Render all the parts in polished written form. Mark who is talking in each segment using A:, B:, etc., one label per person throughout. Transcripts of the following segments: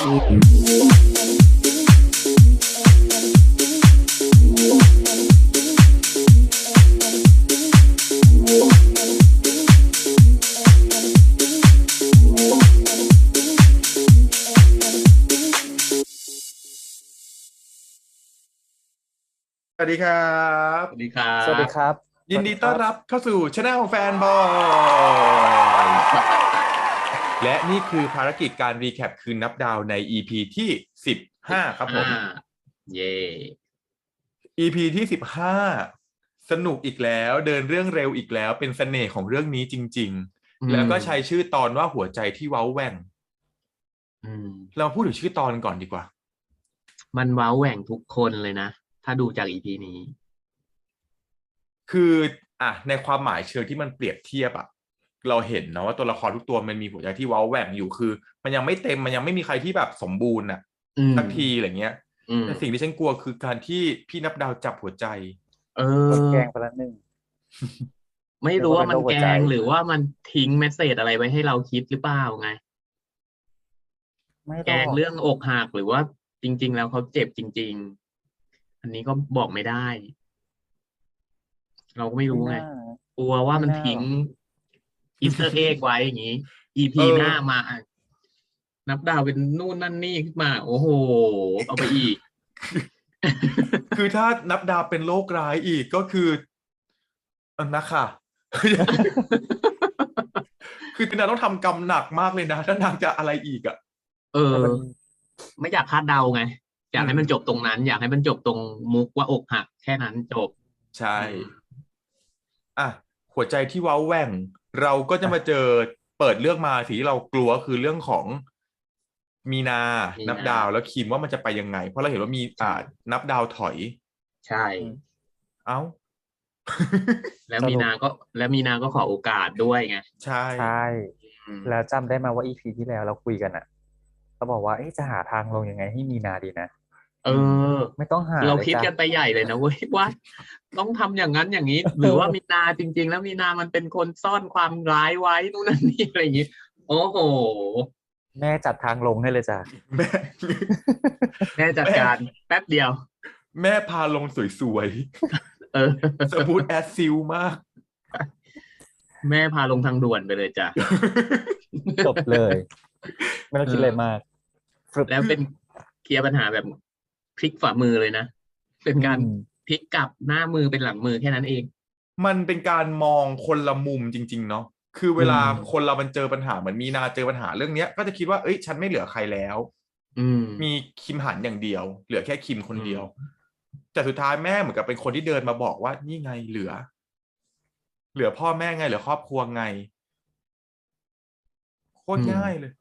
A: สวัสดีครั
B: ส
A: บ
B: วัสดีครั
C: สวัสดี
B: บ
C: ครับ
A: ยินดีต้อนรับเข้าสู่ช anel ของแฟนบอย และนี่คือภารกิจการรีแคปคืนนับดาวใน EP ที่15ครับผม
B: เย่
A: EP ที่15สนุกอีกแล้วเดินเรื่องเร็วอีกแล้วเป็นเสน่ห์ของเรื่องนี้จริงๆแล้วก็ใช้ชื่อตอนว่าหัวใจที่เว้าแหว่งเราพูดถึงชื่อตอนก่อนดีกว่า
B: มันว้าวแหว่งทุกคนเลยนะถ้าดูจาก EP นี้
A: คือในความหมายเชิงที่มันเปรียบเทียบเราเห็นนะว่าตัวละครทุกตัวมันมีหัวใจที่เว้าแหว่งอยู่คือมันยังไม่เต็มมันยังไม่มีใครที่แบบสมบูรณ์สักทีอะไรเงี้ยแต่สิ่งที่ฉันกลัวคือการที่พี่นับดาวจับหัวใจ
C: แกล้งไปแล้วนึง
B: ไม่รู้ว่ามันแกล้งหรือว่ามันทิ้งเมสเสจอะไรไว้ให้เราคิดหรือเปล่าไงแกล้งเรื่องอกหักหรือว่าจริงๆแล้วเขาเจ็บจริงๆอันนี้ก็บอกไม่ได้ เราก็ไม่รู้ไงกลัวว่ามันทิ้งอีสเตอร์เอ็กไว้อย่างนี้ EP หน้ามานับดาวเป็นนู่นนั่นนี่ขึ้นมาโอ้โหเอาไปอีก
A: คือถ้านับดาวเป็นโรคร้ายอีกก็คือนะค่ะ คือนางต้องทำกรรมหนักมากเลยนะถ้านางจะอะไรอีก
B: ไม่อยากคาดเดาไงอยากให้มันจบตรงนั้นอยากให้มันจบตรงมุกว่าอกหักแค่นั้นจบ
A: ใช่หัวใจที่เว้าแหว่งเราก็จะมาเจอเปิดเรื่องมาสิ่งที่เรากลัวคือเรื่องของมีนานับดาวแล้วคิมว่ามันจะไปยังไงเพราะเราเห็นว่ามีนับดาวถอย
B: ใช่
A: เอ้า
B: แล้วมีนาก็ขอโอกาสด้วยไง
A: ใช่
C: แล้วจำได้มาว่า EP ที่แล้วเราคุยกันเขาบอกว่าจะหาทางลงยังไงให้มีนาดีนะไม่ต้องหา
B: เราคิดกันไปใหญ่เลยนะเว้ยว่าต้องทำอย่างนั้นอย่างนี้หรือว่ามีนาจริงๆแล้วมีนามันเป็นคนซ่อนความร้ายไว้นู่นนั่นนี่อะไรอย่างนี้โอ้โห
C: แม่จัดทางลงให้เลยจ้ะ
B: แม่จัดการแป๊บเดียว
A: แม่พาลงสวยๆสมูทแอสซิลมาก
B: แม่พาลงทางด่วนไปเลยจ้ะ
C: จบเลยไม่ต้องคิดอะไรมาก
B: แล้วเป็นเคลียร์ปัญหาแบบพลิกฝ่ามือเลยนะเป็นการพลิกกลับหน้ามือเป็นหลังมือแค่นั้นเอง
A: มันเป็นการมองคนละมุมจริงๆเนาะคือเวลาคนเรามันเจอปัญหาเหมือนมีนาเจอปัญหาเรื่องเนี้ยก็จะคิดว่าฉันไม่เหลือใครแล้วมีคิมหันอย่างเดียวเหลือแค่คิมคนเดียวแต่สุดท้ายแม่เหมือนกับเป็นคนที่เดินมาบอกว่านี่ไงเหลือพ่อแม่ไงเหลือครอบครัวไงโคตรง่ายเลย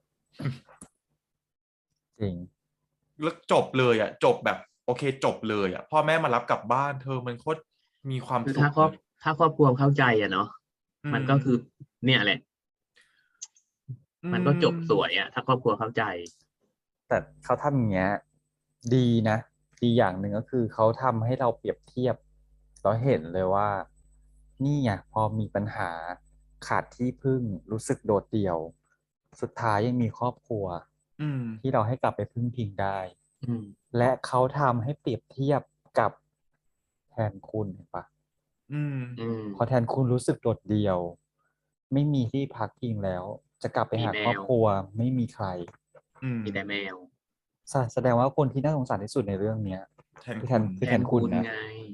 C: จริง
A: แล้วจบเลยจบแบบโอเคจบเลยพ่อแม่มารับกลับบ้านเธอมันโคตรมีความสุข
B: ถ้าครอบครัวเข้าใจเนาะมันก็คือเนี่ยแหละมันก็จบสวยถ้าครอบครัวเข้าใจ
C: แต่เขาทำอย่างเงี้ยดีนะดีอย่างหนึ่งก็คือเขาทำให้เราเปรียบเทียบเราเห็นเลยว่านี่ไงพอมีปัญหาขาดที่พึ่งรู้สึกโดดเดี่ยวสุดท้ายยังมีครอบครัวที่เราให้กลับไปพึ่งพิงได้และเขาทำให้เปรียบเทียบกับแทนคุณเห็นปะพอแทนคุณรู้สึกโดดเดี่ยวไม่มีที่พักพิงแล้วจะกลับไปหาครอบครัวไม่มีใคร
B: มีแต่แมว
C: แสดงว่าคนที่น่าสงสารที่สุดในเรื่องเนี้ยคือแทนคุณนะ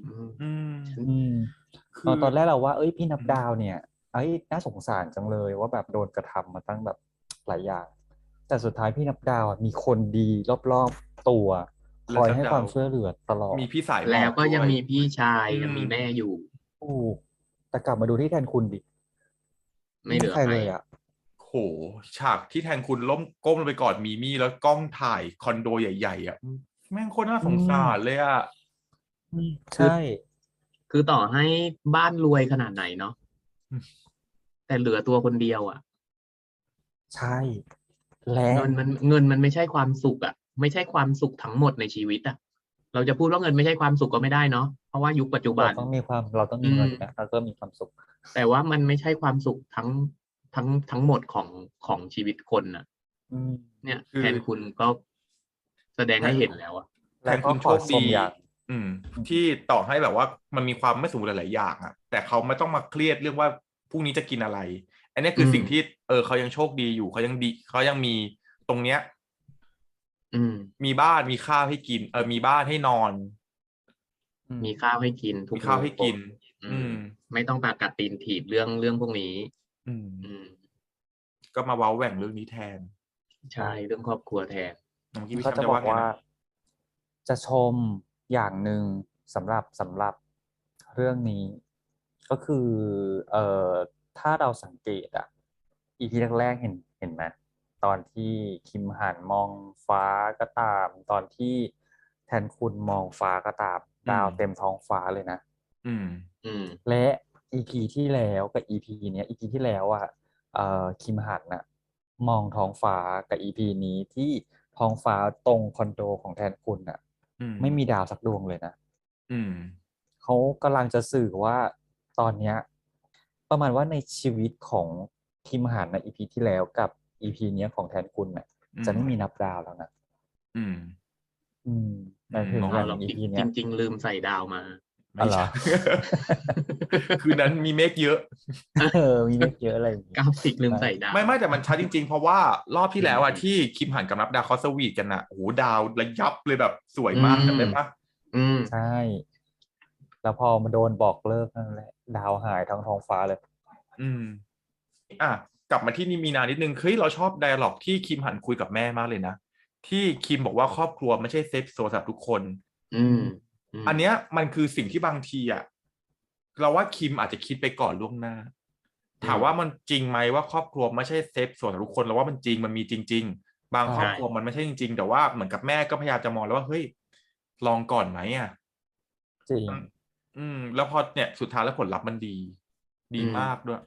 C: ตอนแรกเราว่าพี่นับดาวเนี่ยน่าสงสารจังเลยว่าแบบโดนกระทำมาตั้งแบบหลายอย่างแต่สุดท้ายพี่นับดาวมีคนดีรอบๆตัวคอยให้ความช่วยเหลือตลอด
A: มีพี่สาย
B: แล้วก็ยังมีพี่ชายยังมีแม่อยู่
C: แต่กลับมาดูที่แทนคุณดิ
B: ไม่เหลือใครเลย
A: โหฉากที่แทนคุณล้มก้มลงไปกอดมีมี่แล้วกล้องถ่ายคอนโดใหญ่ๆแม่งโคตรน่าสงสารเลย
C: ใช่
B: คือต่อให้บ้านรวยขนาดไหนเนาะแต่เหลือตัวคนเดียว
C: ใช่และ
B: เงินมันไม่ใช่ความสุขไม่ใช่ความสุขทั้งหมดในชีวิตเราจะพูดว่าเงินไม่ใช่ความสุขก็ไม่ได้เนาะเพราะว่ายุคปัจจุบัน
C: เราต้องมีเงินนะเราก็มีความสุข
B: แต่ว่ามันไม่ใช่ความสุขทั้งหมดของชีวิตคนเนี่ยแทนคุณก็แสดงให้เห็นแล้วอะ
A: แทนคุณโชคดีที่ต่อให้แบบว่ามันมีความไม่สมบูรณ์หลายๆอย่างอะแต่เขาไม่ต้องมาเครียดเรื่องว่าพรุ่งนี้จะกินอะไร อันนี้คือสิ่งที่เขายังโชคดีอยู่เขายังดีเขายังมีตรงเนี้ยมีบ้านมีข้าวให้กินมีบ้านให้นอน
B: มีข้าวให้กินทุก
A: มีข้าวให้กิน
B: ไม่ต้องปากกัดตีนถีบเรื่องพวกนี้
A: ก็มาเว้าแหว่งเรื่องนี้แทน
B: ใช่เรื่องครอบครัวแทน
C: เขาจะบอกว่าจะชมอย่างหนึ่งสำหรับเรื่องนี้ ก็คือถ้าเราสังเกตอ่ะEPแรกๆเห็นไหมตอนที่คิมหันมองฟ้าก็ตามตอนที่แทนคุณมองฟ้าก็ตามดาวเต็มท้องฟ้าเลยนะและ EP ที่แล้วกับ EP เนี้ย EP ที่แล้วอ่ะคิมหันน่ะมองท้องฟ้ากับ EP นี้ที่ท้องฟ้าตรงคอนโดของแทนคุณน่ะไม่มีดาวสักดวงเลยนะเขากำลังจะสื่อว่าตอนเนี้ยประมาณว่าในชีวิตของคิมหันใน EP ที่แล้วกับ EP เนี้ยของแทนคุณน่ะจะไม่มีนับดาวแล้วนะหมายถึงอย่าง EP เนี้ย
B: จริงๆลืมใส่ดาวมา
A: ไม่ใช่ คือนั้นมีเมฆเยอะ
C: มีเมฆเยอะอะไร
B: กราฟิกลืมใส่ดาว
A: ไม่แต่มันชัดจริงๆเพราะว่ารอบที่แล้วอะที่คิมหันกับนับดาวเขาสวีทกันอะโอ้โหดาวระยับเลยแบบสวยมากจำได้ปะ
C: ใช่แล้วพอมาโดนบอกเลิกนั่นแหละดาวหายทั้งท้องฟ้าเลย
A: กลับมาที่นี่มีนานิดนึงเฮ้ยเราชอบไดอะล็อกที่คิมหันคุยกับแม่มากเลยนะที่คิมบอกว่าครอบครัวไม่ใช่เซฟโซนสำหรับทุกคนอันเนี้ยมันคือสิ่งที่บางทีอะเราว่าคิมอาจจะคิดไปก่อนล่วงหน้าถามว่ามันจริงไหมว่าครอบครัวไม่ใช่เซฟโซนสำหรับทุกคนเราว่ามันจริงมันมีจริงๆบางครอบครัวมันไม่ใช่จริงๆแต่ว่าเหมือนกับแม่ก็พยายามจะมองแล้วว่าเฮ้ยลองก่อนไหมอ่ะ
C: จริง
A: แล้วพอเนี่ยสุดท้ายแล้วผลลัพธ์มันดีมากด้วย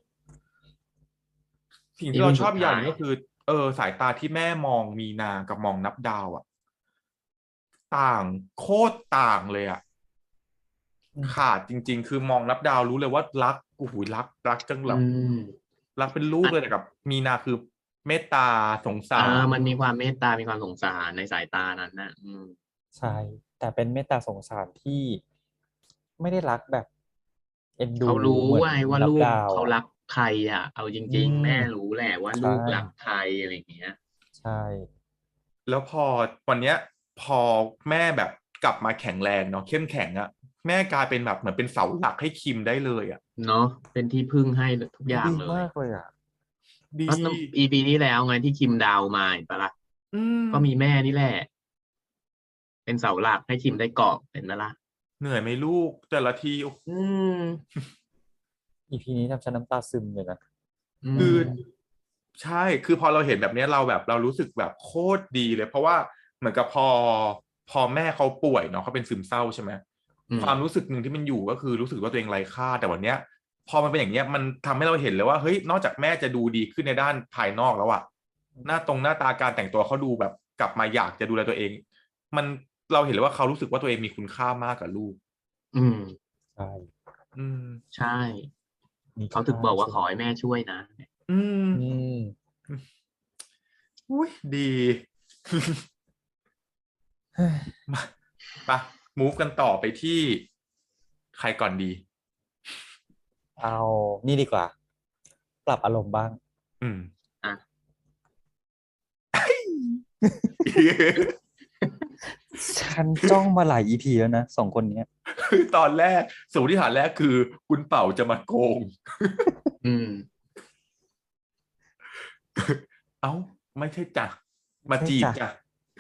A: สิ่งที่เราชอบอย่างนึงก็คือสายตาที่แม่มองมีนากับมองนับดาวอ่ะต่างโคตรต่างเลยอ่ะขาดจริงๆคือมองนับดาวรู้เลยว่ารักโอ้โหรักจังแบบรักเป็นลูกเลยแต่กับมีนาคือเมตตาสงสาร
B: มันมีความเมตตามีความสงสารในสายตานั้นนะ
C: ใช่แต่เป็นเมตตาสงสารที่ไม่ได้รักแบบเอ็นดู
B: เขารู้ว่าลูกเขารักใครอ่ะเอาจริงๆแม่รู้แหละว่าลูกรักใครอะไรอย่างเงี้ย
C: ใช่
A: แล้วพอวันเนี้ยพอแม่แบบกลับมาแข็งแรงเนาะเข้มแข็งอะแม่กลายเป็นแบบเหมือนเป็นเสาหลักให้คิมได้เลยอะ
B: เนาะเป็นที่พึ่งให้ทุกอย่างเลย
C: ดีมากเลยอะ
B: ดีEPนี้แล้วไงที่คิมดาวมาเห็นปะล่ะก็มีแม่นี่แหละเป็นเสาหลักให้คิมได้เกาะเป็นปะล่ะ
A: เหนื่อยไหมลูกแต่ละที
C: EPนี้ทำฉันน้ำตาซึมเลยนะ
A: คือใช่คือพอเราเห็นแบบนี้เรารู้สึกแบบโคตรดีเลยเพราะว่าเหมือนกับพอแม่เขาป่วยเนาะเขาเป็นซึมเศร้าใช่ไหมความรู้สึกหนึ่งที่มันอยู่ก็คือรู้สึกว่าตัวเองไร้ค่าแต่วันเนี้ยพอมันเป็นอย่างเนี้ยมันทำให้เราเห็นเลยว่าเฮ้ยนอกจากแม่จะดูดีขึ้นในด้านภายนอกแล้วอะหน้าตาการแต่งตัวเขาดูแบบกลับมาอยากจะดูแลตัวเองมันเราเห็นเลยว่าเขารู้สึกว่าตัวเองมีคุณค่ามากกับลูก
C: ใช่
B: ใช่เขาถึงบอกว่าขอให้แม่ช่วยนะ
A: อุ้ยดีมาmove กันต่อไปที่ใครก่อนดี
C: เอานี่ดีกว่าปรับอารมณ์บ้างฉันจ้องมาหลาย EP แล้วนะ2 คนนี้
A: ตอนแรกสมมติฐานแรกคือคุณเป่าจะมาโกงเอ้าไม่ใช่จ้ะมาจีบจ้ะ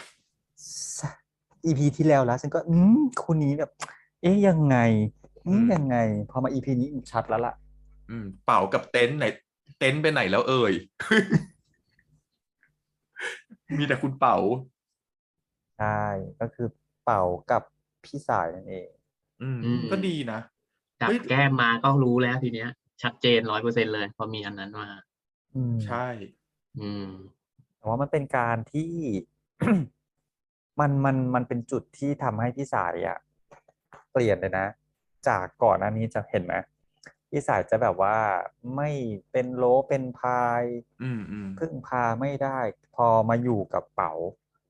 C: EP ที่แล้วฉันก็คู่นี้แบบยังไงพอมา EP นี้ชัดแล้วล่ะ
A: เป่ากับเต็นท์ไหนเต็นท์ไปไหนแล้วเอ่ย มีแต่คุณเป่า
C: ใช่ก็คือเป่ากับพี่สายนั่นเอง
A: ก็ดีนะ
B: จับแก้มมาก็รู้แล้วทีเนี้ยชัดเจน100%เลยพอมีอันนั้นมา
A: ใช่
C: แต่ว่ามันเป็นการที่ มันเป็นจุดที่ทำให้พี่สายอะเปลี่ยนเลยนะจากก่อนหน้านี้จะเห็นไหมพี่สายจะแบบว่าไม่เป็นโลเป็นพายพึ่งพาไม่ได้พอมาอยู่กับเป๋า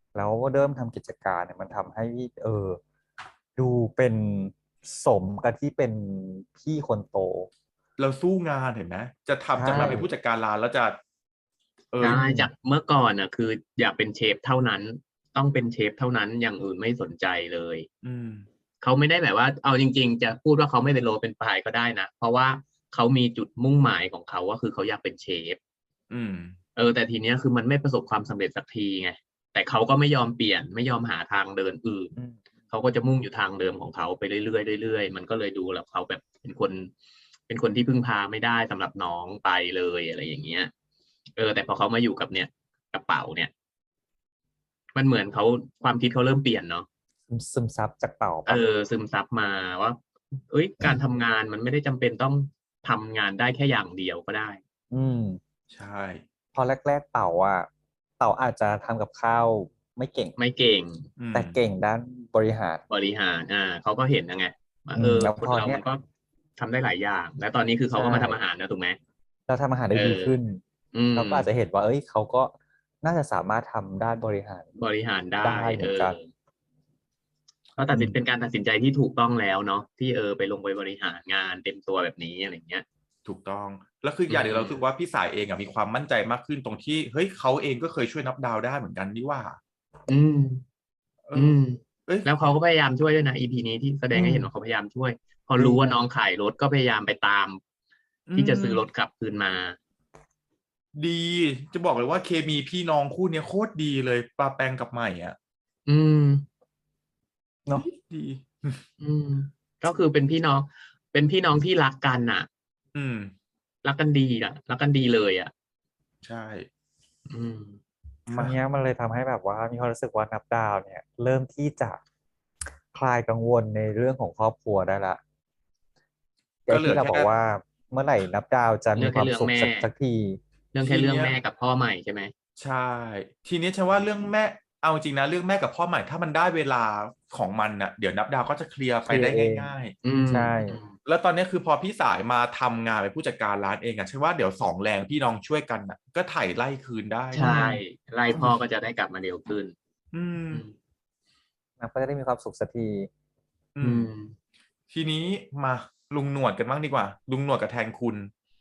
C: แล้วเริ่มทำกิจการเนี่ยมันทำให้ดูเป็นสมกับที่เป็นพี่คนโต
A: เราสู้งานเห็นไหมจะ
C: ใช่
A: ทำจะมาเป็นผู้จัดการร้านแล้วจะ
B: ใช่
C: อืม
B: จากเมื่อก่อนคืออยากเป็นเชฟเท่านั้นต้องเป็นเชฟเท่านั้นอย่างอื่นไม่สนใจเลย
A: อืม
B: เขาไม่ได้แบบว่าเอาจริงๆจะพูดว่าเขาไม่เป็นโรเป็นปลายก็ได้นะเพราะว่าเขามีจุดมุ่งหมายของเขาว่าคือเขาอยากเป็นเชฟ
A: อืม
B: แต่ทีเนี้ยคือมันไม่ประสบความสำเร็จสักทีไงแต่เขาก็ไม่ยอมเปลี่ยนไม่ยอมหาทางเดินอื่น
C: อืม
B: เขาก็จะมุ่งอยู่ทางเดิมของเขาไปเรื่อยๆเรื่อยๆมันก็เลยดูแล้วเขาแบบเป็นคนที่พึ่งพาไม่ได้สำหรับน้องไปเลยอะไรอย่างเงี้ยแต่พอเขามาอยู่กับเนี่ยกระเป๋าเนี่ยมันเหมือนเขาความคิดเขาเริ่มเปลี่ยนเนาะ
C: ซึมซับจากเป่าปะ
B: ซึมซับมาว่าการทำงานมันไม่ได้จำเป็นต้องทำงานได้แค่อย่างเดียวก็ได้
C: อืม
A: ใช่
C: พอแรกๆเป่าอาจจะทำกับข้าวไม่เก่ง
B: ไม่เก่ง
A: อืม
C: แต่เก่งด้านบริหาร
B: บริหารเขาก็เห็นนะไงว่า
C: แล้ว
B: ค
C: พอเนี้ย
B: นเรามันก็ทำได้หลายอย่างแล้วตอนนี้คือเขา
C: ใช่
B: ก็มาทำอาหารนะถูกไหม
C: เราทำอาหาร
B: เอ
C: ได้ดี
B: อ
C: ขึ้น
B: อืม
C: เราก็อาจจะเห็นว่าเขาก็น่าจะสามารถทำด้านบริหาร
B: บริหารได้
C: ได้เหมือนกัน
B: เขา
C: อืม
B: เป็นการตัดสินใจที่ถูกต้องแล้วเนาะที่ไปลงไปบริหารงานเต็มตัวแบบนี้อะไรเงี้ย
A: ถูกต้องแล้วคือ
B: อื
A: อย่างหนึ่งเรา
B: ม
A: รู้สึกว่าพี่สายเองมีความมั่นใจมากขึ้นตรงที่เฮ้ยเขาเองก็เคยช่วยนับดาวได้เหมือนกันนี่ว่า
B: อืม
A: เออ
B: อืม
A: เอ้ย
B: แล้วเขาก็พยายามช่วยด้วยนะอีพีนี้ที่แสด
C: อืม
B: งให้เห็นว่าเขาพยายามช่วยพอ
C: ดี
B: รู้ว่าน้
C: นะ
B: องขายรถก็พยายามไปตาม
A: อื
B: ที่จะ
A: ม
B: ซื้อรถกลับคืนมา
A: ดีจะบอกเลยว่าเคมีพี่น้องคู่เนี้ยโคตรดีเลยปาแปงกับใหม่อ่ะ
B: อืม
A: ดี
C: เนาะ
A: ดี
B: อืมก็คือเป็นพี่น้องที่รักกันน่ะ
A: อืม
B: รักกันดีรักกันดีเลย
A: ใช่
B: อืม
C: ครั้ง
A: มา
C: เนี้ยมันเลยทำให้แบบว่ามีความรู้สึกว่านับดาวเนี่ยเริ่มที่จะคลายกังวลในเรื่องของครอบครัวได้ละไอ้ที่
A: ก็เหลือแค่
C: เราบอกว่าเมื่อไหร่นับดาวจะ
B: เรื่อง
C: มีความสุข
B: แค่เรื่องแม่
C: สักที
A: ทีเนี้ย
B: แม่กับพ่อใหม่ใช่ไหม
A: ใช่ทีนี้ฉันว่าเรื่องแม่เอาจริงนะเรื่องแม่กับพ่อใหม่ถ้ามันได้เวลาของมันน่ะเดี๋ยวนับดาวก็จะเคลียร์ไปได้
C: เคลียร์เอง
A: ง่าย
B: อืม
C: ใช่
B: อืม
A: ๆแล้วตอนนี้คือพอพี่สายมาทำงานเป็นผู้จัดการร้านเองฉันว่าเดี๋ยวสองแรงพี่น้องช่วยกันน่ะก็ไถ่ไล่คืนได้
C: อื
B: ใช่
C: ม
B: ไล่พ่อก็จะได้กลับมาเร็วขึ้น
A: อืม
B: อืม
C: นับก็จะได้มีความสุขสักที
A: อืม
B: อืม
A: ทีนี้มาลุงหนวดกันบ้างดีกว่าลุงหนวดกับแทนคุณ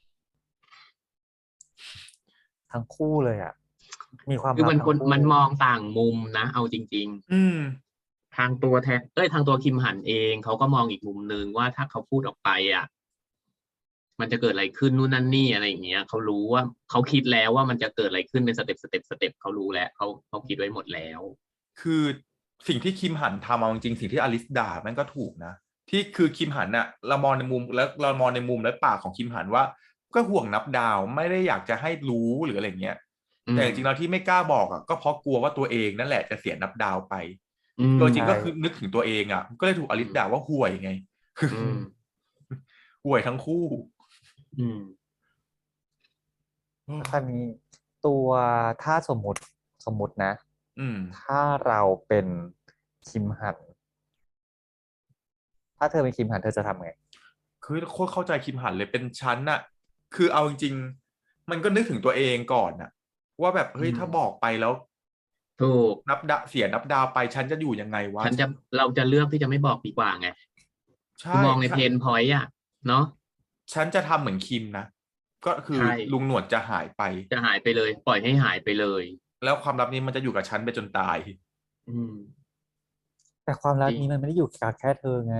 C: ทั้งคู่เลยมีความ
B: คือ
C: ลับทั้งคู่
B: มันมองต่างมุมนะเอาจริง
A: อืม
B: ๆทางตัวคิมหันเองเขาก็มองอีกมุมนึงว่าถ้าเขาพูดออกไปมันจะเกิดอะไรขึ้นนู่นนั่นนี่อะไรอย่างเงี้ยเขารู้ว่าเขาคิดแล้วว่ามันจะเกิดอะไรขึ้นเป็นสเต็ปเขารู้แล้วเขาคิดไว้หมดแล้ว
A: คือสิ่งที่คิมหันทำเอาจริงๆสิ่งที่อลิสด่ามันก็ถูกนะที่คือคิมหันน่ะเรามองในมุมแล้วเรามองในมุมและปากของคิมหันว่าก็ห่วงนับดาวไม่ได้อยากจะให้รู้หรืออะไรเงี้ย
B: อืม
A: แต่จริงๆเราที่ไม่กล้าบอกก็เพราะกลัวว่าตัวเองนั่นแหละจะเสียนับดาวไป
B: อืม
A: ตัวจริง
C: ใช่
A: ก็คือนึกถึงตัวเองก็เลยถูกอลิสด่าว่าห่วยไง
B: อืม
A: ห่วยทั้งคู่
B: อืม
C: แล้วคราวนี้ตัวถ้าสมมุตินะ
A: อืม
C: ถ้าเราเป็นคิมหันถ้าเธอเป็นคิมหันเธอจะทำไง
A: คือโคตรเข้าใจคิมหันเลยเป็นชั้นน่ะคือเอาจริงๆมันก็นึกถึงตัวเองก่อนน่ะว่าแบบ
B: อื
A: เฮ้ย
B: ม
A: ถ้าบอกไปแล้ว
B: ถูก
A: นับดาเสียนับดาวไปฉันจะอยู่ยังไงวะ
B: ฉันจะเราจะเลือกที่จะไม่บอกดีกว่าไงคื
A: ใช่
B: อมองใน
A: ใช่
B: เพนพอยต์เนาะ
A: ฉันจะทำเหมือนคิมนะก็คือ
B: ใช่
A: ลุงหนวดจะหายไป
B: จะหายไปเลยปล่อยให้หายไปเลย
A: แล้วความลับนี้มันจะอยู่กับฉันไปจนตาย
B: อืม
C: แต่ความรั
B: จริง
C: กนี้มันไม่ได้อยู่กับแค่เธอไง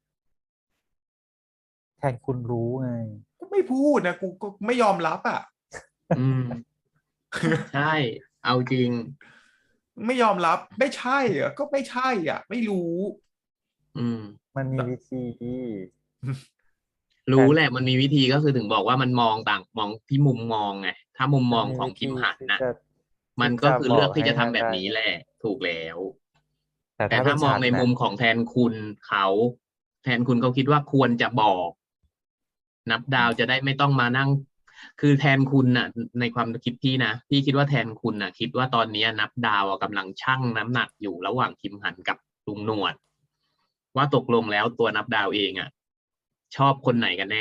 C: แทนคุณรู้ไง
A: ก็ไม่พูดนะกูก็ไม่ยอมรับ
B: อืมใช่เอาจริง
A: ไม่ยอมรับไม่ใช่ก็ไม่ใช่ไม่รู้
B: อืม
C: มันมีวิธีแท
B: รู้
C: น
B: แหละมันมีวิธีก็คือถึงบอกว่ามันมองที่มุมมองไงถ้ามุมม
C: มัน
B: องของคิม
C: มีวิธี
B: หันน่ะ
C: ที่จะ
B: มันก็คือ
C: บ
B: เลือกที่
C: อกให้นั่น
B: จะทำแบบ
C: ได้ไง
B: นี้แหละถูกแล้ว
C: แต่ถ้าเป็น
B: แต่ถ้ามอง
C: ฉันน่ะ
B: ในมุมของแทนคุณเขาแทนคุณเขาคิดว่าควรจะบอกนับดาวจะได้ไม่ต้องมานั่งคือแทนคุณน่ะในความคิดพี่นะพี่คิดว่าแทนคุณน่ะคิดว่าตอนนี้นับดาวกำลังชั่งน้ำหนักอยู่ระหว่างคิมหันกับลุงหนวดว่าตกลงแล้วตัวนับดาวเองชอบคนไหนกันแน่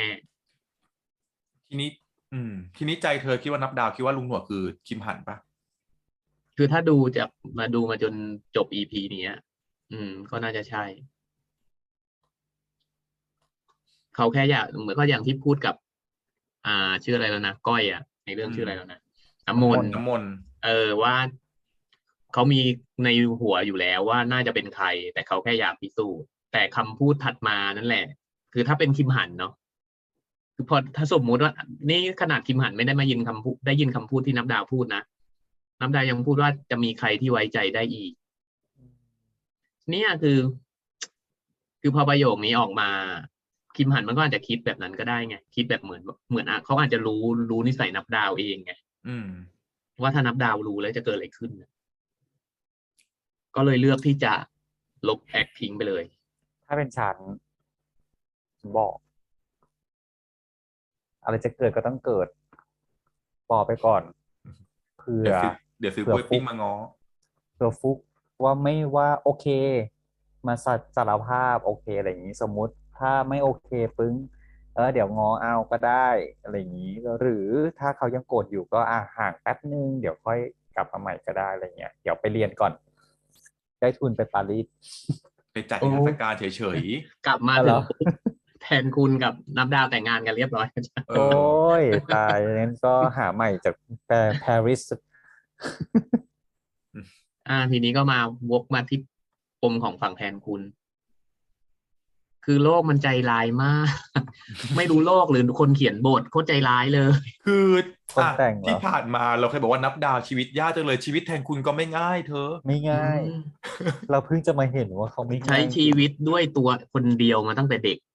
A: ทีนี้ทีนี้ใจเธอคิดว่านับดาวคิดว่าลุงหนวดคือคิมหันปะ
B: คือถ้าดูจากมาดูมาจนจบ EP เนี้ยก็น่าจะใช่ เขาแค่อยากเหมือนก็อย่างที่พูดกับ ชื่ออะไรแล้วนะก้อยอ่ะในเรื่องชื่ออะไรแล้วนะน้ำมนต์
A: น้ำมนต์
B: ว่าเขามีในหัวอยู่แล้วว่าน่าจะเป็นใคร แต่เขาแค่อยากพิสูจน์แต่คำพูดถัดมานั่นแหละ คือถ้าเป็นคิมหันเนาะคือพอถ้าสมมุติว่า นี่ขนาดคิมหันไม่ได้มายินคำพูดได้ยินคำพูดที่นับดาวพูดนะนับดาวยังพูดว่าจะมีใครที่ไว้ใจได้อีก เนี่ยคือพอประโยคนี้ออกมาคิมหันมันก็อาจจะคิดแบบนั้นก็ได้ไงคิดแบบเหมือนเขาอาจจะรู้นิสัยนับดาวเองไงว่าถ้านับดาวรู้แล้วจะเกิดอะไรขึ้นก็เลยเลือกที่จะลบแอคทิ้งไปเลย
C: ถ้าเป็นฉันบอก อะไรจะเกิดก็ต้องเกิดปอไปก่อนเผื่อ
A: เดี๋ยวซื้อกล้วยปิ้งมาง้อ
C: เผื่อฟุกว่าไม่ว่าโอเค มาสารภาพโอเคอะไรอย่างนี้สมมุติถ้าไม่โอเคปึ้งเดี๋ยวง้อเอาก็ได้อะไรอย่างนี้หรือถ้าเขายังโกรธอยู่ก็ห่างแป๊บนึงเดี๋ยวค่อยกลับมาใหม่ก็ได้อะไรเงี้ยเดี๋ยวไปเรียนก่อนได้ทุนไปปารีส
A: ไปจัดนิทรรศการเฉย
B: กลับมาถึงแทนคุณกับนับดาวแต่งงานกันเรียบร้อย
A: ๆ
C: โอ้ยตายงั้นก็หาใหม่จากปารีส
B: ทีนี้ก็มาวกมาที่ปมของฝั่งแทนคุณ คือโลกมันใจร้ายมาก ไม่รู้โลกหรือคนเขียนบทโคตรใจร้ายเลย
A: คือ
C: คนแต่งเหรอ
A: ที่ผ่านมาเราเคยบอกว่านับดาวชีวิตยากจังเลยชีวิตแทนคุณก็ไม่ง่ายเธอ
C: ไม่ง่าย เราเพิ่งจะมาเห็นว่าเขาไม่ง่าย
B: ใช้ชีวิตด้วยตัวคนเดียวมาตั้งแต่เด็ก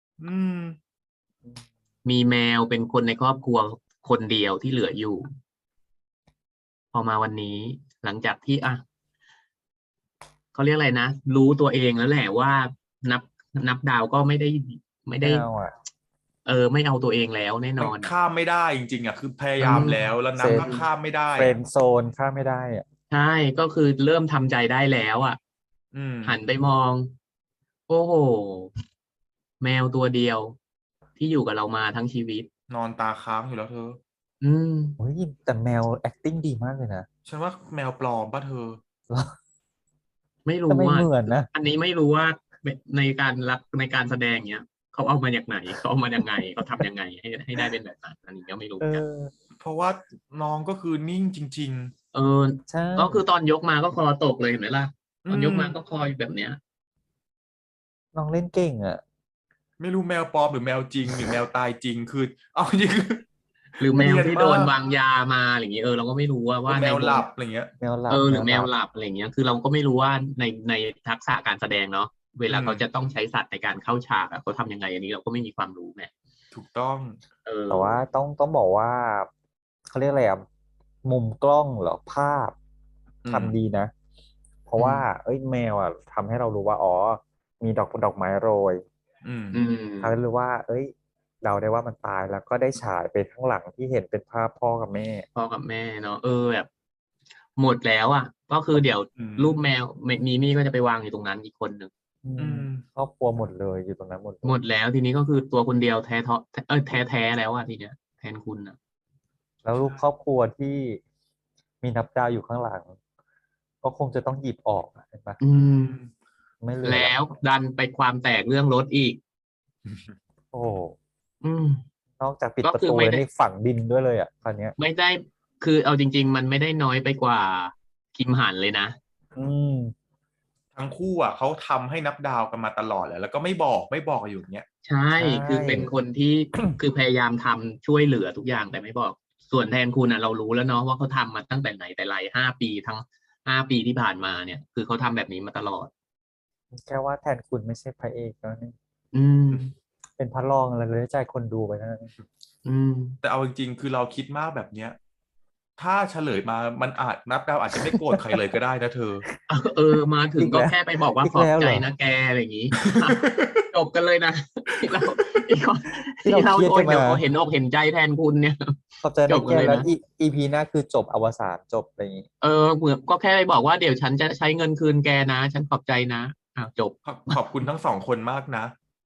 B: มีแมวเป็นคนในครอบครัวคนเดียวที่เหลืออยู่ พอมาวันนี้หลังจากที่เขาเรียกอะไรนะรู้ตัวเองแล้วแหละว่านับดาวก็ไม่ได้
C: ไม่เอาอ่ะ
B: ไม่เอาตัวเองแล้วแน่น
A: มัน
B: อน
A: ข้ามไม่ได้จริงๆคือพยายามแล้วนับก็ข้ามไม่ได้
C: เฟรนด์โซนข้ามไม่ได้อ่ะ
B: ใช่ก็คือเริ่มทำใจได้แล้วหันไปมอง โอ้โหแมวตัวเดียว ที่อยู่กับเรามาทั้งชีวิต
A: นอนตาค้างอยู่แล้วเธอ
C: โอ้ยแต่แมว acting ดีมากเลยนะ
A: ฉันว่าแมวปลอมป่ะเธอ
B: ไม่รู้
C: แต่ไม่
B: ว่า
C: เหมือนนะ
B: อันนี้ไม่รู้ว่าในการแสดงเนี้ยเขาเอามาจากไหนเขาเอามายังไงเขาทำยังไงให้ได้เป็นแบบนั้นอันนี้ก็ไม่รู้กัน
A: เพราะว่าน้องก็คือนิ่งจริง
C: ใช่
B: ก็คือตอนยกมาก็คอตกเลยเห็นไหมล่ะตอนยกมาก็คออยู่แบบเนี้ย
C: น้องเล่นเก่งอ่ะ
A: ๆ ไม่รู้แมวปลอมหรือแมวจริงหรือแมวตายจริงคือ เอาจริงคือ
B: หรือแมว
A: เนียน
B: ที่
A: มาก
B: โดนวางยามาอะไรอย่างเงี้ยเราก็ไม่รู้ว่า
A: แมว
B: ใน
A: หลับอะไรเงี้ย
C: แมวหลับ
B: หรือแมวหลับอะไรอย่างเงี้ยคือเราก็ไม่รู้ว่าในทักษะการแสดงเนาะเวลาเขาจะต้องใช้สัตว์ในการเข้าฉากเขาทำยังไงอันนี้เราก็ไม่มีความรู้ไง
A: ถูกต้อง
C: แต่ว่าต้องบอกว่าเขาเรียกอะไรอ่ะมุมกล้องเหรอภาพทำดีนะ เพราะว่าแมวอ่ะทำให้เรารู้ว่ามีดอกไม้โรยทำให้รู้ว่าเราได้ว่ามันตายแล้วก็ได้ฉายไปข้างหลังที่เห็นเป็นภาพพ่อกับแม่
B: เนาะแบบหมดแล้วก็คือเดี๋ยวรูปแมวมีมี่ก็จะไปวางอยู่ตรงนั้นอีกคนหนึ่ง
C: ครอบครัวหมดเลยอยู่ตรงนั้นหมด
B: หมดแล้วทีนี้ก็คือตัวคนเดียวแท้แล้วทีเนี้ยแทนคุณ
C: แล้วรูปครอบครัวที่มีนับดาวอยู่ข้างหลัง ก็คงจะต้องหยิบออกเห็นปะไม่เหลือ
B: แล้วดันไปความแตกเรื่องรถอีก
C: โอ้ นอกจากปิด
B: ก็
C: ประ
B: คือ
C: ตู
B: ไม่
C: แล้ว
B: ได้
C: นี่ฝังดินด้วยเลยคราวเนี้ย
B: ไม่ได้คือเอาจริง ๆ มันไม่ได้น้อยไปกว่าคิมหันเลยนะ
A: ทั้งคู่เขาทำให้นับดาวกันมาตลอดแล้วก็ไม่บอกอยู่อย่างเงี้ย
B: ใช่คือเป็นคนที่ คือพยายามทำช่วยเหลือทุกอย่างแต่ไม่บอกส่วนแทนคุณเรารู้แล้วเนาะว่าเขาทำมาตั้งแต่ไหนแต่ไร5 ปีทั้ง5 ปีที่ผ่านมาเนี่ยคือเขาทำแบบนี้มาตลอด
C: แค่ว่าแทนคุณไม่ใช่พระเอกแล้วนี่ เป็นพระรองอะไรเลยใจคนดูไปนะ
A: แต่เอาจริงๆคือเราคิดมากแบบเนี้ยถ้าเฉลยมามันนับดาวอาจจะไม่โกรธใครเลยก็ได้นะเธอ
B: มาถึงก็แค่ไปบอกว่าขอบใจนะแกอะไรอย่างนี้จบกันเลยนะที่เราโอ้ยเดี๋ยวเห็นอกเห็นใจแทนคุณเนี่ย
C: ขอบใจนะแกแล้วEP หน้าคือจบอวสานจบอะไรอย่างนี้
B: เหมือนก็แค่ไปบอกว่าเดี๋ยวฉันจะใช้เงินคืนแกนะฉันขอบใจนะจบ
A: ขอบคุณทั้งสองคนมากนะ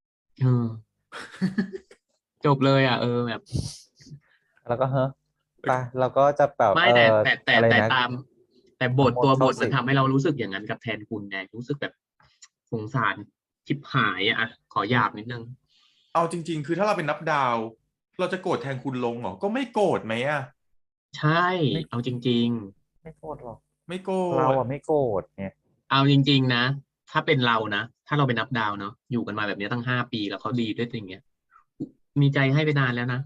B: จบเลยแบบ
C: แล้วก็ไปเราก็จะแบบ
B: ไม่แต่แต่ตัวบทมันทำให้เรารู้สึกอย่างนั้นกับแทนคุณไงรู้สึกแบบสงสารชิบหายอ่ะขอหยาบนิดนึง
A: เอาจริงๆคือถ้าเราเป็นนับดาว เราจะโกรธแทนคุณลงเหรอก็ไม่โกรธไหมอ่ะ
B: ใช่เอาจริง
C: ไม่โกรธหรอก
A: ไม่โกร
C: เรา
A: ธ
C: อะไม่โกรธเนี่ย
B: ๆเอาจริงๆนะถ้าเป็นเรานะถ้าเราเป็นนับดาวเนาะอยู่กันมาแบบนี้ตั้ง5 ปีแล้วเขาดีด้วยอย่างเงี้ยมีใจให้ไปนานแล้วนะ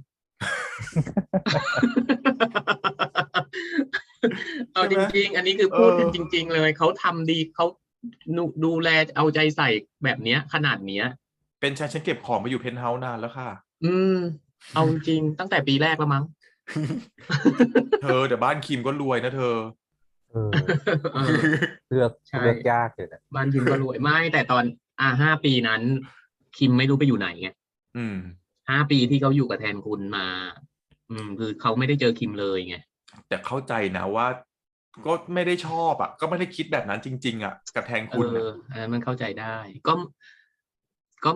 B: เอา
A: ใช่ไหม
B: จริงๆอันนี้คือ
A: เออ
B: พูดกันจริงๆเลยเขาทำดีเขาดูแลเอาใจใส่แบบเนี้ยขนาดเนี้ย
A: เป็นฉันเก็บของมาอยู่เพนท์เฮาส์นานแล้วค่ะ
B: อืมเอาจริงๆตั้งแต่ปีแรกแล้วมั้ง
A: เธอแต่บ้านคิมก็รวยนะเธอ
C: เออ
B: เออ
C: เลือก
B: ใช่
C: เลือกยากอยู่นะ
B: บ้านคิมก็รวยไม่แต่ตอน5 ปีนั้นคิมไม่รู้ไปอยู่ไหนไง
A: อืม
B: 5 ปีที่เขาอยู่กับแทนคุณมา คือเขาไม่ได้เจอคิมเลยไง
A: แต่เข้าใจนะว่าก็ไม่ได้ชอบอ่ะก็ไม่ได้คิดแบบนั้นจริงๆอ่ะกับแทน
B: เออ
A: คุณอ่ะ
B: อันนั้นมันเข้าใจได้ก็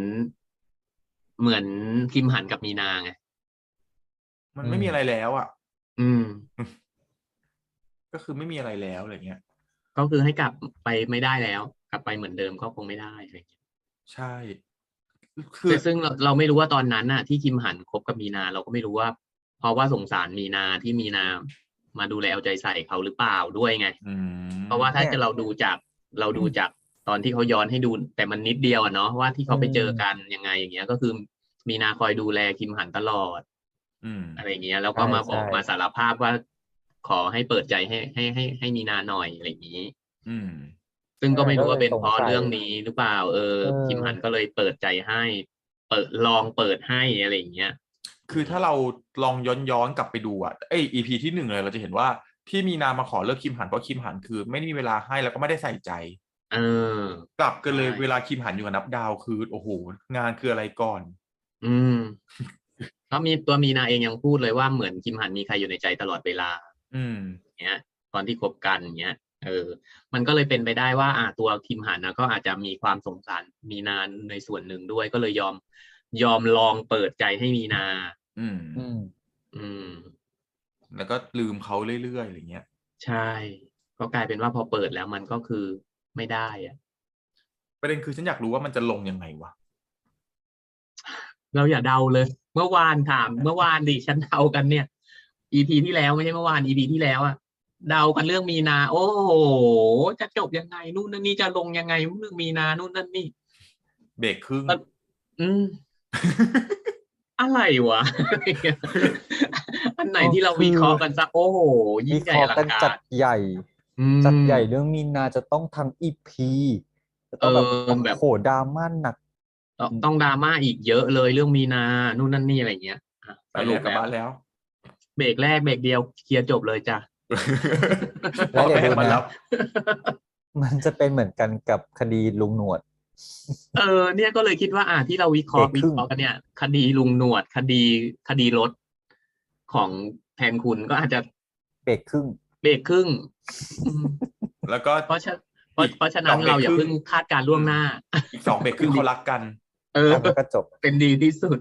B: เหมือนคิมหันกับมีนาไง
A: มันไม่มีอะไรแล้วอ่ะ
B: อืม
A: ก็คือไม่มีอะไรแล้วอะไรเงี้ย
B: ก็คือให้กลับไปไม่ได้แล้วกลับไปเหมือนเดิมก็คงไม่ได้อะไรอย่างเงี้ย
A: ใช่คือ
B: ซึ่งเราไม่รู้ว่าตอนนั้นน่ะที่คิมหันคบกับมีนาเราก็ไม่รู้ว่าเพราะว่าสงสารมีนาที่มีนามาดูแลเอาใจใส่เขาหรือเปล่าด้วยไง
A: อื
B: เพราะว่าถ้า
C: เนี่ย
B: จะเราดูจากตอนที่เขาย้อนให้ดูแต่มันนิดเดียวอะเนาะว่าที่
C: อื
B: เขาไปเจอกัน
C: ม
B: ยังไงอย่างเงี้ยก็คือมีนาคอยดูแลคิมหันตลอด
A: อืม
B: อะไรอย่างเงี้ยแล้ว
C: ใช่
B: ก็มาบอ
C: ใช่
B: กมาสารภาพว่าขอให้เปิดใจให้มีนาหน่อยอะไรอย่างนี้
A: อืม
B: ซึ่งก็ไม่รู้ว่า
C: นั่นแหละก็เลย
B: เป็นเพราะ
C: สงสัย
B: เรื่องนี้หรือเปล่า
C: เ
B: คิมหันก็
C: ออ
B: เลยเปิดใจให้ลองเปิดให้อะไรอย่างเงี้ยอืม
A: คือถ้าเราลองย้อนกลับไปดูอ่ะEPที่1เลยเราจะเห็นว่าที่มีนามาขอเลิกคิมหันเพราะคิมหันคือไม่ได้มีเวลาให้แล้วก็ไม่ได้ใส่ใจ
B: เออ
A: กลับกัน
B: ใช่
A: เลยเวลาคิมหันอยู่กับนับดาวคือโอ้โหงานคืออะไรก่อน
B: อืมก็มีตัวมีนาเองยังพูดเลยว่าเหมือนคิมหันมีใครอยู่ในใจตลอดเวลา
A: อืม
B: เนี้ยตอนที่คบกันเนี้ยมันก็เลยเป็นไปได้ว่าตัวคิมหันนะก็อาจจะมีความสงสารมีนาในส่วนหนึ่งด้วยก็เลยยอมลองเปิดใจให้มีนา
A: อืม
C: อืม
B: อืม
A: แล้วก็ลืมเขาเรื่อยๆอะไรเงี้ย
B: ใช่ก็กลายเป็นว่าพอเปิดแล้วมันก็คือไม่ได้อะ
A: ประเด็นคือฉันอยากรู้ว่ามันจะลงยังไงวะ
B: เราอย่าเดาเลยเมื่อวานถามเมื่อวานดิฉันเดากันเนี่ย EP ที่แล้วไม่ใช่เมื่อวาน EP ที่แล้วอะเดากันเรื่องมีนาโอ้โหจะจบยังไงนู่นนั่นนี่จะลงยังไงเรื่องมีนานู่นนั่นนี่
A: เบรกครึ่ง
B: ก็อืมอะไรวะอันไหน
C: ก็
B: ที่เรา
C: คือ
B: วิเคราะห์กันสักโอ้โหยิ่
C: วิเค
B: งใหญ่อ
C: ราะห์กันจัด
B: ลังการ
C: ใหญ่
B: อื
C: จัดใหญ่เรื่
B: ม
C: องมีนาจะต้องทั้งอีพีจะ
B: เออ
C: ต้องแบบโอ้
B: แบบ
C: โหดราม่าหนัก
B: ต้องดราม่าอีกเยอะเลยเรื่องมีนานู่นนั่นนี่อะไรเงี้ย
A: ไปแล้วกลับ
B: สรุปแล้ว
A: บ้านแล้ว
B: เบรกแรกเบรกเดียวเคลียร์จบเลยจ้ะ
C: แล้ว
A: พ่อแม่
C: เดี๋ยวดูนะ
A: มารับ
C: มันจะเป็นเหมือนกันกับคดีลุงหนวด
B: เนี่ยก็เลยคิดว่าที่เราวิเคราะห์วิ
C: เบรกครึ่ง
B: เคราะห์กันเนี่ยคดีลุงหนวดคดีรถของแทนคุณก็อาจจะ
C: เบรกครึ่ง
B: เบรกครึ่งอืม
A: แล้วก็
B: เพราะฉะเพราะ
A: อีก
B: เพราะฉะ
A: ส
B: นั้นเราอย่า
A: องเบรกครึ่ง
B: เพิ่งคาดการณ์
A: อืม
B: ล่วงหน้า
A: อีก2 เบรกครึ่งเขารักกัน
B: เออ
C: แล้วก็จบ
B: เป็นดีที่สุด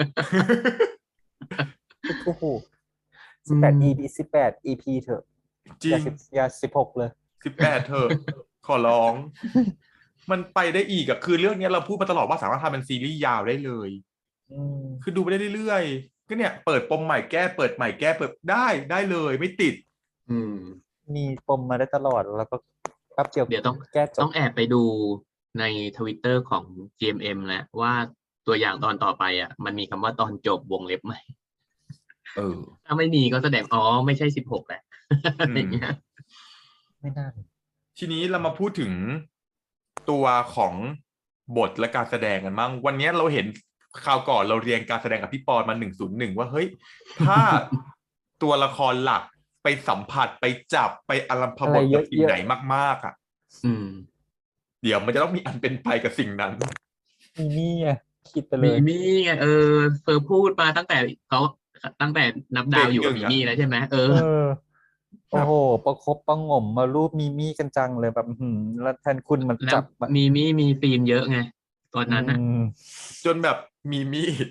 C: โอ้โห
B: อื
C: 18 EP
B: ม
C: 18 EP เถอะ
A: จริง
C: อย่า16เลย
A: 18เธอะขอร้อง มันไปได้อีกอะคือเรื่องเนี้ยเราพูดมาตลอดว่าสามารถทำเป็นซีรีส์ยาวได้เลย
C: อืม
A: คือดูไปได้เรื่อยๆก็เนี่ยเปิดปมใหม่แก้เปิดใหม่แก้เปิดได้เลยไม่ติด
B: อืม
C: มีปมมาได้ตลอดแล้วก็แป๊บเดียว
B: เดี๋ยวต้อง
C: แก้จบ
B: ต้องแอบไปดูในทวิตเตอร์ของ GMM แล้วว่าตัวอย่างตอนต่อไปมันมีคำว่าตอนจบวงเล็บไหม
A: เออ
B: ถ้าไม่มีก็แสดงไม่ใช่16แหละอะ
A: อืม
B: ไรอย่างเงี้ย
C: ไม่น่า
A: ทีนี้เรามาพูดถึงตัวของบทและการแสดงกันมั่งวันนี้เราเห็นคราวก่อนเราเรียนการแสดงกับพี่ปอนมา101ว่าเฮ้ยถ้าตัวละครหลักไปสัมผัสไปจับไปอารมพ
C: อะไร
A: บทกับสิ่ง
C: เยอะ
A: ไหนมากๆอ่ะ
B: อืม
A: เดี๋ยวมันจะต้องมีอันเป็นไปกับสิ่งนั้น
C: ๆมีนี่ไงคิดไปเล
B: มี
C: ย
B: มี่ไงเฟอร์พูดมาตั้งแต่นับ
A: เบร
B: ดาวอยู่กับ
A: กหนึ่งอ่ะ
B: มีมี่แล้วใช่ไหม
C: เออโอ้
A: แบบ
C: โหประคบประหงมมารูปมีมี่กันจังเลยแบบแล้วแทนคุณมัน
B: แล้ว
C: จับอะ
B: มีมี่มีซีนเยอะไงตอน
C: อื
B: นั้น
C: ม
A: จนแบบมีมีด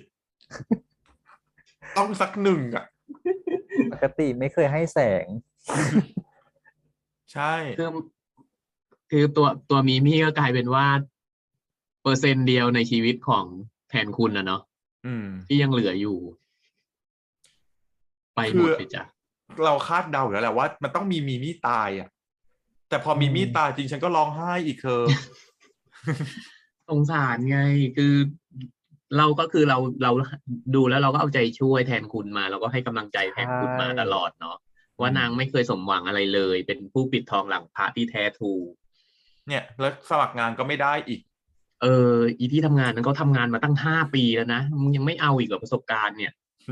A: ต้องสักหนึ่งอ่ะ
C: ปกติไม่เคยให้แสง
A: ใใช่
B: คือตัวมีมี่ก็กลายเป็นว่าเปอร์เซ็นต์เดียวในชีวิตของแทนคุณนะเนาะที่ยังเหลืออยู่ ไปหมดเลยจ้ะ
A: เราคาดเดาอยู่แล้วแหละว่ามันต้องมีมี่ตายอ่ะแต่พอมีมี่ตายจริงฉันก็ร้องไห้อีกเธอ
B: สงสารไงคือเราดูแล้วเราก็เอาใจช่วยแทนคุณมาเราก็ให้กำลังใจแทนคุณมาตลอดเนาะว่านางไม่เคยสมหวังอะไรเลย เป็นผู้ปิดทองหลังพระที่แท้ทรู
A: เนี่ยแล้วสมัครงานก็ไม่ได้อีก
B: อีที่ทำงานนั้นก็ทำงานมาตั้ง5 ปีแล้วนะมึงยังไม่เอาอีกเหรอประสบการณ์เนี่ย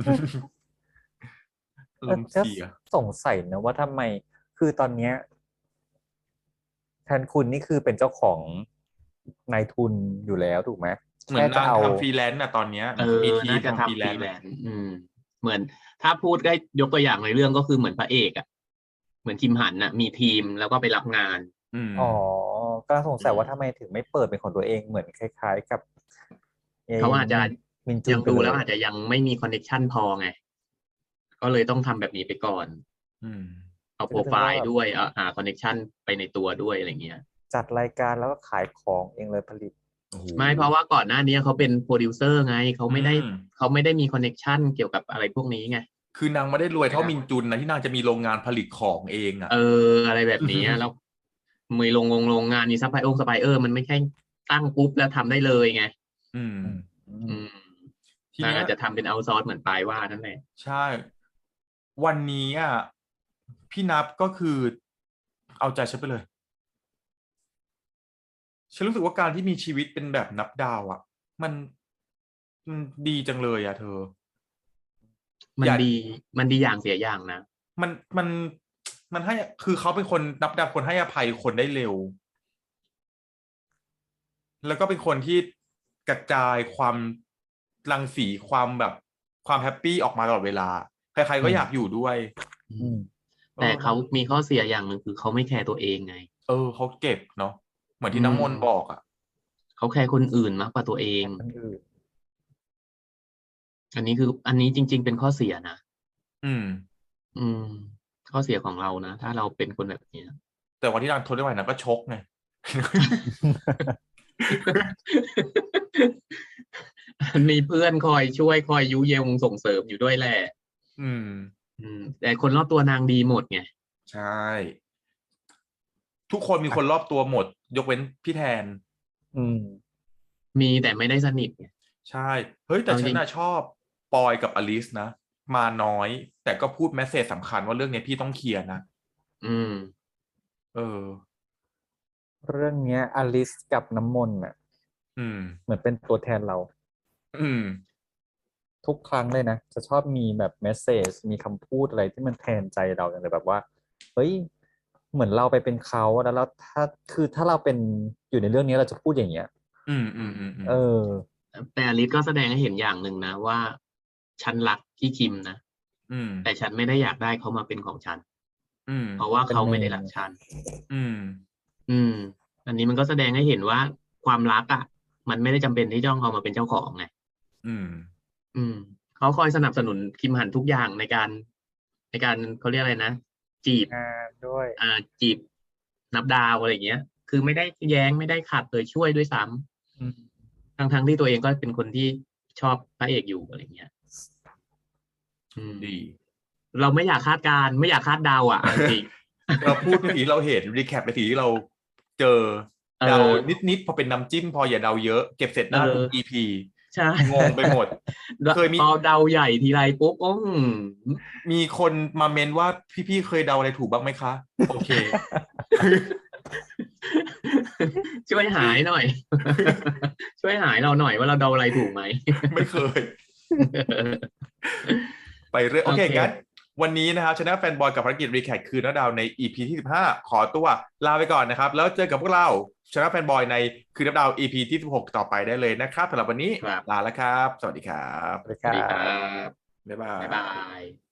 A: ลมเสีย
C: สงสัยนะว่าทำไมคือตอนเนี้ยแทนคุณนี่คือเป็นเจ้าของนายทุนอยู่แล้วถูกไหม
A: เหมือนนางทำฟรีแลนซ์น่ะตอนเนี้ยมีทีมทำฟรีแลนซ์
B: เหมือนถ้าพูดได้ยกตัวอย่างในเรื่องก็คือเหมือนพระเอกอ่ะเหมือนคิมหันน่ะมีทีมแล้วก็ไปรับงาน
C: อ๋อก็สงสัยว่าทำไมถึงไม่เปิดเป็นของตัวเองเหมือนคล้ายๆกับ
B: เขาอาจจะยังดูแล้วอาจจะยังไม่มีคอนเนคชั่นพอไงก็เลยต้องทำแบบนี้ไปก่อนเอาโปรไฟล์ด้วยหาคอนเนคชั่นไปในตัวด้วยอะไรเงี้ย
C: จัดรายการแล้วก็ขายของเองเลยผลิต
B: ไม่เพราะว่าก่อนหน้านี้เขาเป็นโปรดิวเซอร์ไงเขาไม่ได้มีคอนเนคชั่นเกี่ยวกับอะไรพวกนี้ไง
A: คือนางไม่ได้รวยเท่ามินจุนนะที่นางจะมีโรงงานผลิตของเองอ่ะ
B: อะไรแบบนี้แล้วมีโรงงานมีซัพพลายมันไม่ใช่ตั้งปุ๊บแล้วทำได้เลยไงทีนี้อาจจะทำเป็นเอาท์ซอร์สเหมือนปลายว่านั่นแหละ
A: ใช่วันนี้อ่ะพี่นับก็คือเอาใจฉันไปเลยฉันรู้สึกว่าการที่มีชีวิตเป็นแบบนับดาวอ่ะมันดีจังเลยอ่ะเธอ
B: มันดีอย่างเสียอย่างนะ
A: มันให้คือเขาเป็นคนนับดาวคนให้อภัยคนได้เร็วแล้วก็เป็นคนที่กระจายความรังสีความแบบความแฮปปี้ออกมาตลอดเวลาใครๆก็อยากอยู่ด้วย
B: แต่เขามีข้อเสียอย่างหนึ่งคือเขาไม่แคร์ตัวเองไง
A: เขาเก็บเนาะเหมือนที่น้ำมนต์บอกอ่ะ
B: เขาแคร์คนอื่นมากกว่าตัวเองอันนี้จริงๆเป็นข้อเสียนะข้อเสียของเรานะถ้าเราเป็นคนแบบนี้
A: แต่วันที่นางทนได้ไหวนางก็ชกไง
B: มีเพื่อนคอยช่วยคอยยุยงส่งเสริมอยู่ด้วยแหละแต่คนรอบตัวนางดีหมดไง
A: ใช่ทุกคนมีคนรอบตัวหมดยกเว้นพี่แทน
B: มีแต่ไม่ได้สนิทไง
A: ใช่เฮ้ยแต่ฉันน่ะชอบปอยกับอลิสนะมาน้อยแต่ก็พูดแมสเสจสำคัญว่าเรื่องนี้พี่ต้องเคลียร์นะ
C: เรื่องเนี้ยอลิสกับน้ำมนต์เหมือนเป็นตัวแทนเราทุกครั้งเลยนะจะชอบมีแบบเมสเสจมีคำพูดอะไรที่มันแทนใจเราอย่างแบบว่าเฮ้ยเหมือนเราไปเป็นเขาแล้วถ้าเราเป็นอยู่ในเรื่องนี้เราจะพูดอย่างเงี้ย
B: แต่อลิสก็แสดงให้เห็นอย่างหนึ่งนะว่าฉันรักพี่คิมนะแต่ฉันไม่ได้อยากได้เขามาเป็นของฉันเพราะว่าเขาไม่ได้รักฉันอันนี้มันก็แสดงให้เห็นว่าความรักอ่ะมันไม่ได้จำเป็นที่ต้องเอามาเป็นเจ้าของไงเขาคอยสนับสนุนคิมหันทุกอย่างในการเขาเรียกอะไรนะจีบ
C: ด้วย
B: จีบนับดาวอะไรเงี้ยคือไม่ได้แย้งไม่ได้ขัดเลยช่วยด้วยซ้ำทั้งที่ตัวเองก็เป็นคนที่ชอบพระเอกอยู่อะไรเงี้ย
A: ดี
B: เราไม่อยากคาดการไม่อยากคาดเดาอ่ะจริง
A: เราพูดเมื่อกี้เราเห็นรีแคปในสิ่งที่เราเจอเดานิดพอเป็นน้ำจิ้มพออย่าเดาเยอะเก็บเสร็จหน้าทุก EP
B: ใช่
A: งงไปหมด
B: เคยมีพอเดาใหญ่ทีไรปุ๊บ
A: มีคนมาเมนว่าพี่เคยเดาอะไรถูกบ้างไหมคะโอเค
B: ช่วยหายหน่อยช่วยหายเราหน่อยว่าเราเดาอะไรถูกไหม
A: ไม่เคยไปเรื่อยโอเคงั้นวันนี้นะครับชนะแฟนบอยกับภารกิจรีแคปคืนนัดดาวใน EP ที่15ขอตัวลาไปก่อนนะครับแล้วเจอกับพวกเราชนะแฟนบอยในคืนนัดดาว EP ที่16ต่อไปได้เลยนะครับสำหรับวันนี้ลาแล้วครับสวัสดีครับ
B: สวัสดีครับ
A: บ๊ายบาย